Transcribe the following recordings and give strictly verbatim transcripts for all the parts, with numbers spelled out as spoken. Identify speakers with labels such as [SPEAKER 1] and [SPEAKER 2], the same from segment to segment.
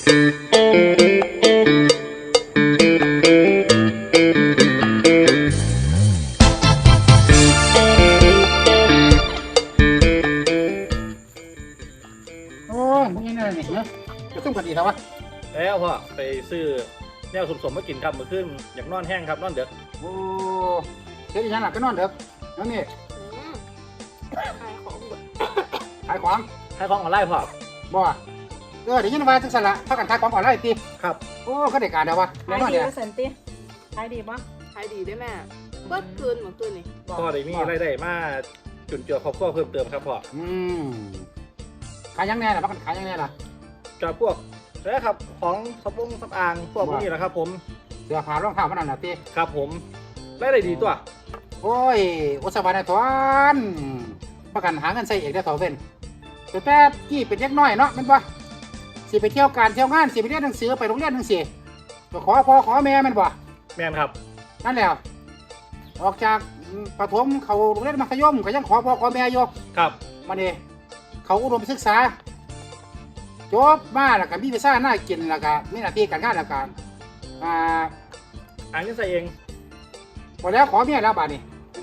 [SPEAKER 1] โอ้ยมึงยังไงเนี่ยเนาะจะต้องกันดีแล้ววะ
[SPEAKER 2] แล้วพ่อไปซื้อแนวสมๆมากินครับมื้อคืนอยากนอนแห้งครับนอนเด็ก
[SPEAKER 1] โอ้เฮ็ดอีหยังล่ะก็นอนเด้อแล้วนี่
[SPEAKER 3] อืมขายของเบิด
[SPEAKER 1] ขายของ
[SPEAKER 2] ให้ของออนไลน์พ่อ
[SPEAKER 1] บ่เออเดี๋ยวยินว่าจังซั่นล่ะพากันขายของออนไลน์ติ
[SPEAKER 2] ครับ
[SPEAKER 1] โอ้ก็ได้การเด้อวะแน่
[SPEAKER 4] ขาย
[SPEAKER 1] นอน
[SPEAKER 4] ดี
[SPEAKER 1] เด้อ
[SPEAKER 4] ว่าสันติขายดีปะ
[SPEAKER 3] ขายดีได้แม่เบิดคืนเหมือนคืนนี่
[SPEAKER 2] พ่อได้มีรายได้มาจุนเจือครอบครัวเพิ่มเติมครับพ่อ
[SPEAKER 1] อืมขายยังแน่ล่ะพากันขายยังแน่ล่ะ
[SPEAKER 2] จากพวกแล้วครับของสปงสำอางพวกพวกนี้แหละครับผม
[SPEAKER 1] เสื้อผ้ารองเท้ามันนั่นน่ะติ
[SPEAKER 2] ครับผมรายได้ดีตัว
[SPEAKER 1] โอ้ยอุตสาหะนายทอนพากันหาเงินใส่เองได้อเถาเว้นแต่แต่กี้เป็นเด็กน้อยเนาะแม่นบ่สิไปเที่ยวการเที่ยวงานสิไปเรียนหนังสือไปโรงเรียนจังซี่ก็ขอพ่อขอแม่แม่นบ่
[SPEAKER 2] แม่นครับ
[SPEAKER 1] นั่นแหละออกจากประถมเขาโรงเรียนมัธยมก็ยังขอพ่อขอแม่อยู่
[SPEAKER 2] ครับ
[SPEAKER 1] มาเนี่เขาอุดมศึกษาจบมาแล้วก็มีวีซ่าหน้ากินแล้วก็มีหน้าที่การงานแล้วก็อ่า
[SPEAKER 2] อ่านเงินใส่เอง
[SPEAKER 1] หมดแล้วขอเมียแล้วบาดนี้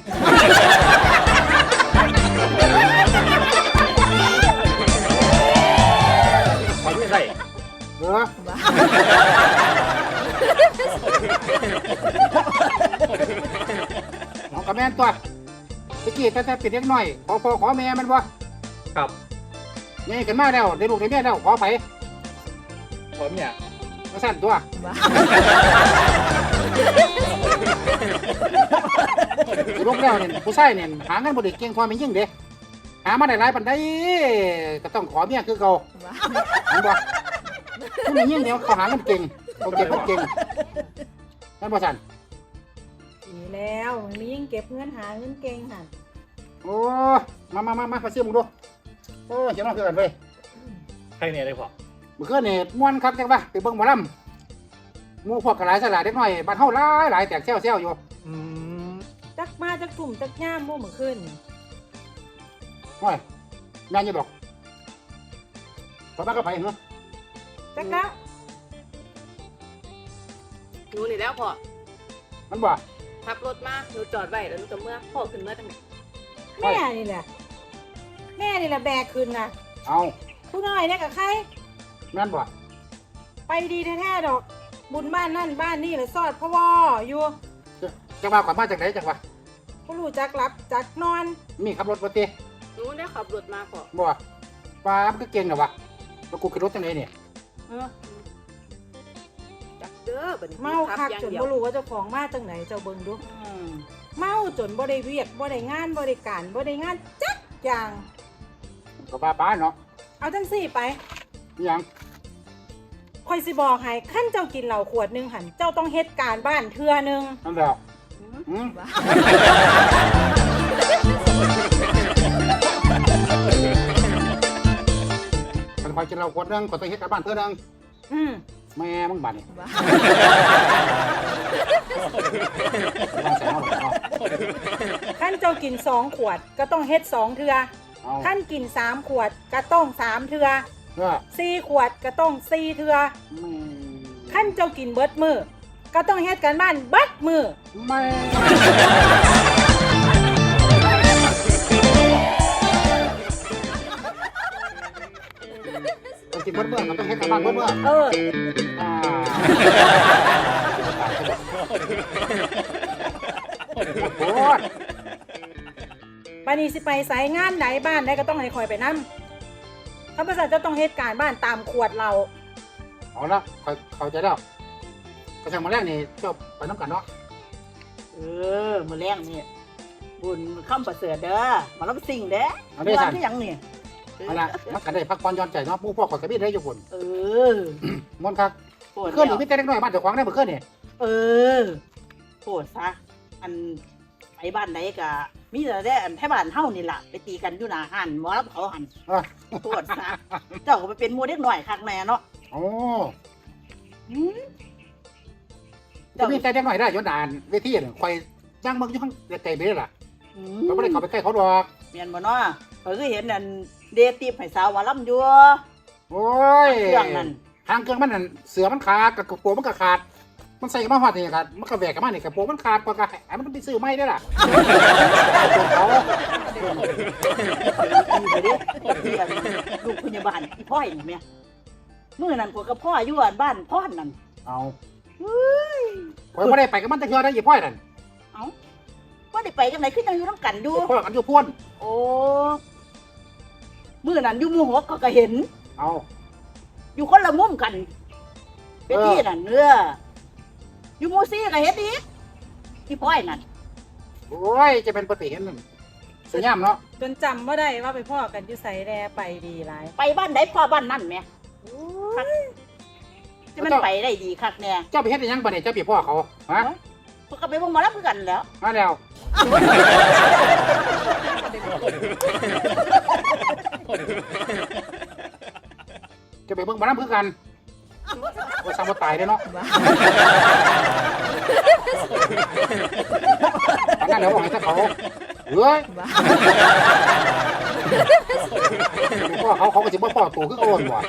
[SPEAKER 2] ขอเงินใส่
[SPEAKER 1] เออน้องกับแม่นตัวตะกี้แต่แต่เป็นเด็กน้อยขอพ่อขอแม่มันบ่
[SPEAKER 2] ครับ
[SPEAKER 1] นี่ขึ้นมาแล้วได้ลูกได้เมียแล้วขอไป
[SPEAKER 2] ขอเนี่ย
[SPEAKER 1] มาสั่นตัวลูกแล้วเนี่ยผู้ชายเนี่ยหาเงินบ่ได้เก่งพอแม่นยิ่งเด้หามาได้หลายปานใดก็ต้องขอเมียคือเก่าเห็นบ่ผู้แม่นยิ่งเดี๋ยวเขาหาเงินเก่งเขาเก็บเงินเก่งนั่นบ่สั่น
[SPEAKER 4] ดีแล้วมันมียิ่งเก็บเงินหาเงินเก่งหัน
[SPEAKER 1] โอ้มามามามามาซื้อมึงดูโอ้เจ้าน้องคือกันเว้ย
[SPEAKER 2] ใครเนี่ยได้พ่อ
[SPEAKER 1] เมื่อคืนนี่ม่วนคักจังวะไปเบิ่งหมอลำหมู่พวกกระหลายสลาดเด็กน้อยบ้านเฮาหลายหลายแตกแซวๆอยู่
[SPEAKER 2] อืม
[SPEAKER 4] จักมาจักกลุ่มจักย่ามโม่เหมือนขึ้น
[SPEAKER 1] โอ้ยแม่นอยู่ดอกพอบ้านก็ไปเหรอ
[SPEAKER 4] จักแล้ว
[SPEAKER 3] หนูนี่แล้วพ่อ
[SPEAKER 1] มันบ่
[SPEAKER 3] ขับรถมาหนูจอดไว้แล้วหนูจะเมื่อพ่อขึ้นเมื่อตั้งไหน
[SPEAKER 4] แม่นี่แหละแม่นี่แหละแบกขึ้นนะ
[SPEAKER 1] เอา
[SPEAKER 4] ผู้น้อยเนี่ยกับใคร
[SPEAKER 1] แม่นบ่
[SPEAKER 4] ไปดีแท้ๆดอก บุญบ้านนั่นบ้านนี่เลยซอดพ่อวออยู่
[SPEAKER 1] จังว่าก่อนมาจากไหนจังว่า
[SPEAKER 4] ผู้รู้จักรับจักนอน
[SPEAKER 1] มีขับรถบ่ติ
[SPEAKER 3] หนูได้ขับรถมาพ่อ
[SPEAKER 1] บ่ป้ามันก็เก่งน่ะวะแล้วกูขึ้นรถจังไดเนี่ย
[SPEAKER 4] เออ
[SPEAKER 3] จักเด้อบัดนี้
[SPEAKER 4] เมาคักจนบ่รู้ว่าเจ้าของมาจังไหนเจ้าเบิ่งดูเมาจนบ่ได้เวียกบ่ได้งานบ่ได้การบ่ได้งานจักอย่าง
[SPEAKER 1] ก็ป้าป้าเนาะ
[SPEAKER 4] เอาจังสี่ไป
[SPEAKER 1] อีหยัง
[SPEAKER 4] คอยสิบอกให้ขั้นเจ้ากินเหล้าขวดหนึ่งหันเจ้าต้องเฮ็ดการบ้านเทื่อหนึง
[SPEAKER 1] นั่นแหละอืมมันคอยกินเหล้าขวดหนึงก็ต้องเฮ็ดการบ้านเทื่อนึง
[SPEAKER 4] อืม
[SPEAKER 1] แม่มึงบัดนี่วางแสงเอาบ่เนาะ
[SPEAKER 4] ขั้นเจ้ากินสองขวดก็ต้องเฮ็ดสองเทื่อ
[SPEAKER 1] เอา
[SPEAKER 4] ขั้นกินสามขวดก็ต้องสามเทื่อ
[SPEAKER 1] เออ
[SPEAKER 4] สี่ขวดก็ต้องสี่เทื่อ
[SPEAKER 1] แม่
[SPEAKER 4] ขั้นเจ้ากินเบิดมือก็ต้องเฮ็ดการบ้านเบิดมือ
[SPEAKER 1] แม่ต้องกินเบิดเมื่อก็ต้องเฮ็ดการบ้านเบิดเมื่อ
[SPEAKER 4] เออ
[SPEAKER 1] อ่าโอ้ย
[SPEAKER 4] ปานี้สิไปไสงานไหนบ้านใดก็ต้องให้คอยไปนำข้าพเจ้าจะต้องเฮ็ดการบ้านตามขวดเรา
[SPEAKER 1] เอาละเข้าเข้าใจแล้วก็ช่างมาแรกนี่เจ้าไปน้ำกันเนาะ
[SPEAKER 5] เออมือแรงนี่บุญข้ามประเสริฐเด้อมารับสิ่งเด้
[SPEAKER 1] เอาได้
[SPEAKER 5] วั
[SPEAKER 1] สั่น
[SPEAKER 5] ที่ยังนี่
[SPEAKER 1] เอาละมันกันได้พักผ่อนหย้อนใจเนาะผู้พ่อขอยกระบี่ได้อยู่คน
[SPEAKER 5] เออ
[SPEAKER 1] มวนครับ
[SPEAKER 5] ปวด
[SPEAKER 1] เคลื่อนหนี
[SPEAKER 5] แล้ว
[SPEAKER 1] ไม่แต่เล็กน้อยบ้านเจ้าของได้เมื่อคืนนี่
[SPEAKER 5] เออปวดซะอันไปบ้านไหนกะมีแต่ได้อันแท่บ้านเฮานี่ล่ะไปตีกันอยู่หน้าหันหมอรับเขาหัน
[SPEAKER 1] อ่ะ
[SPEAKER 5] ปวดซะเจ้าก็ไปเป็นหมูเด็กหน่อยคักแน่เนาะ
[SPEAKER 1] โอ้
[SPEAKER 5] หืม
[SPEAKER 1] จะมีแต่เล็กน้อยได้ย้อนด่านเวทีน่ะคอยจ้างเมืองอยู่ข้างไกลๆไปเลยล่ะ
[SPEAKER 5] หืม
[SPEAKER 1] เราไม่ได้เข้าไปใกล้เขาดอก
[SPEAKER 5] เมียนบ่เนาะเขาคือเห็นอันเดตีบให้สาวว่าล่ำอยู่
[SPEAKER 1] โอ้ย
[SPEAKER 5] เครื่องนั่น
[SPEAKER 1] หางเครื่องมันนั่นเสือมันขาดกับกระโปรงมันก็ขาดมันใส่มาหอดนี่ครับมันก็แหวกกันมานี่กระโปรงมันขาดกว่าก็ให้มันไปซื้อใหม่ได้ล่ะเขา
[SPEAKER 5] ไปดิที่อันลูกพยาบาลพี่พ่อยนี่แม่มื้อนั้นก็กับพ่ออยู่อันบ้านพ่อนนั่น
[SPEAKER 1] เอาข่อยบ่ได้ไปกับมันแต่เทื่อได้ยี่พ่อยนั่น
[SPEAKER 5] เอ้าว่าได้ไปจังไดคือจังอยู่นำกันอยู่
[SPEAKER 1] พ่อกันอยู่พ่วน
[SPEAKER 5] โอ้มื้อนั้นอยู่หมู่หกก็ก็เห็น
[SPEAKER 1] เอา
[SPEAKER 5] อยู่คนละมุมกันเป็นที่นั่นเนื้ออยู่หมู่สี่ก็เห็นอีกพี่พ่อยนั่น
[SPEAKER 1] โอ้ยจะเป็นปฏิเห็นนั่นสยามเนาะ
[SPEAKER 4] จนจำว่าได้ว่าไปพ่อกันอยู่ไสแลไปดีหลาย
[SPEAKER 5] ไปบ้านใดพ่อบ้านนั่นแหม่คักจะมันไปได้ดีคักแน่
[SPEAKER 1] เจ้าไปเฮ็ดได้หยังบ่เนี่ยเจ้าไปพ่อเขาฮะ
[SPEAKER 5] เพิ่นก็ไปเบิ่งหมอลำคือกันแหล้ว
[SPEAKER 1] มาแล้วจะไปเบิ่งบ่นำคือกันว่าซ้ำบ่ตายเด้อเนาะอันนั้นเดี๋ยวบอกให้ถ้าเขาเฮ้ยพ่อเขาเขาก็สิบ่พ่อตัวคือโอนว่ะ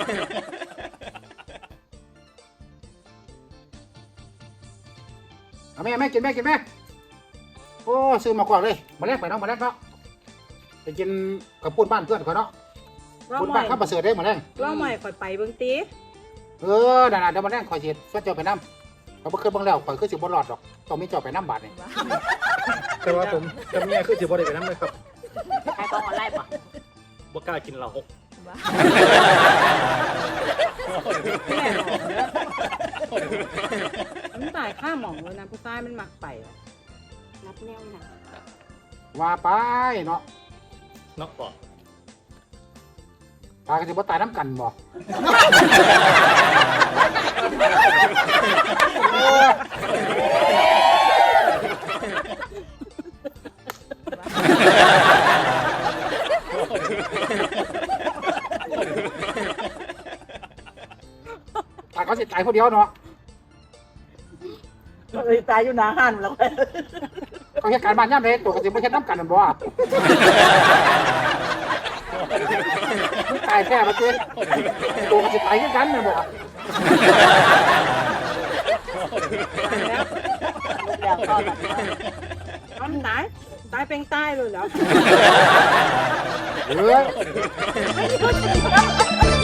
[SPEAKER 1] เอาแม่แม่กินแม่กินแม่โอ้ซื้อมากว่าเลยมาแลกไปเนาะมาแลกเนาะไปกินกับปุ้นบ้านเพื่อนเขาเนาะ
[SPEAKER 4] ว่า
[SPEAKER 1] ปุ้น
[SPEAKER 4] ให
[SPEAKER 1] บ้า
[SPEAKER 4] ม่
[SPEAKER 1] นข้าวประเสริฐได้มาแลก
[SPEAKER 4] ว่าใหม่ข่อยไปเบิ่งติ
[SPEAKER 1] เออนั่นๆเดี๋ยวมาแลกคอยเสียช่วยเจ้าไปน้ำเขาบ่เคยเบิ่งแล้วคอยคือสิบ่รอดดอกต้องมีเจ้าไปน้ำบาดนี่
[SPEAKER 2] แต่ว่าผมกับเมียคือสิบ่ได้ไปนำเลยครับ
[SPEAKER 5] ขายของออนไลน์ป่ะ
[SPEAKER 2] บ่กล้ากินเหล้าหก
[SPEAKER 4] แม่บอกเด้อมันตายข้าหมองเลยนะผู้ชายมันมักไปอะ
[SPEAKER 3] นับแนวหนัก
[SPEAKER 1] ว่าไปเนาะ
[SPEAKER 2] เนาะพ่อ
[SPEAKER 1] ตายก็สิบ่ตายน้ำกันบ่ตายเขาสิตายคนเดียวเนาะ
[SPEAKER 5] เอ้ยตายอยู่หน้าห้านแล้ว
[SPEAKER 1] เขาเฮ็ดการบ้านย่ำเลยตัวก็สิบ่เฮ็ดน้ำกันนั่นบ่มึงตายแท้มาสิตัวก็สิตายคือกันนั่นบ่
[SPEAKER 5] แล้วก็แบบ
[SPEAKER 4] มันตายตายเป็นตายเลยเหรอ
[SPEAKER 1] เออ